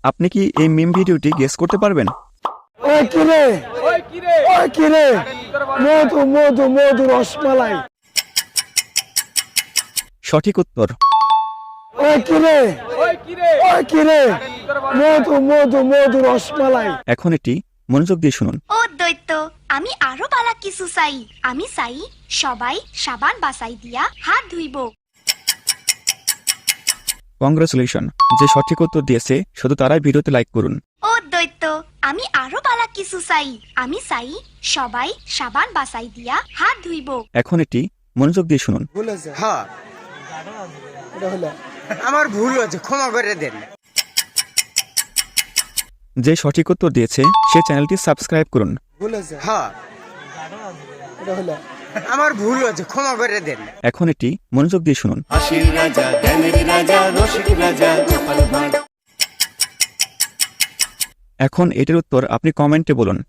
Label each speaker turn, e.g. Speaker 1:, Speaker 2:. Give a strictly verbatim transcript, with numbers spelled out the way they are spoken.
Speaker 1: আপনি কি এই মিম ভিডিওটি গেস করতে পারবেন?
Speaker 2: ওই কিরে ওই কিরে মধু মধু মধু রসমালাই।
Speaker 1: সঠিক উত্তর।
Speaker 2: ওই কিরে ওই কিরে মধু মধু মধু রসমালাই।
Speaker 1: এখন এটি মনোযোগ দিয়ে শুনুন।
Speaker 3: ও দৈত্য, আমি আরো বালা কিছু চাই। আমি চাই সবাই সাবান বাসাই দিয়া হাত ধুইব।
Speaker 1: কংগ্রাচুলেশন, যে সঠিক উত্তর দিয়েছে শুধু তারাই ভিডিওতে লাইক করুন।
Speaker 3: ও দৈত্য, আমি আরো বালা কিছু চাই। আমি চাই সবাই সাবান বাসাই দিয়া হাত ধুইব।
Speaker 1: এখন এটি মনোযোগ দিয়ে শুনুন।
Speaker 4: হ্যাঁ, আমার ভুল হয়েছে, ক্ষমা করে দেন।
Speaker 1: যে সঠিক উত্তর দিয়েছে সে চ্যানেলটি সাবস্ক্রাইব করুন।
Speaker 4: হ্যাঁ, আমার ভুল হয়েছে, ক্ষমা করে দেন।
Speaker 1: এখন এটি মনোযোগ দিয়ে শুনুন।
Speaker 5: হাসির রাজা, জ্ঞানের রাজা, রসিক রাজা, গোপাল ভাঁড়।
Speaker 1: এখন এটির উত্তর আপনি কমেন্টে বলুন।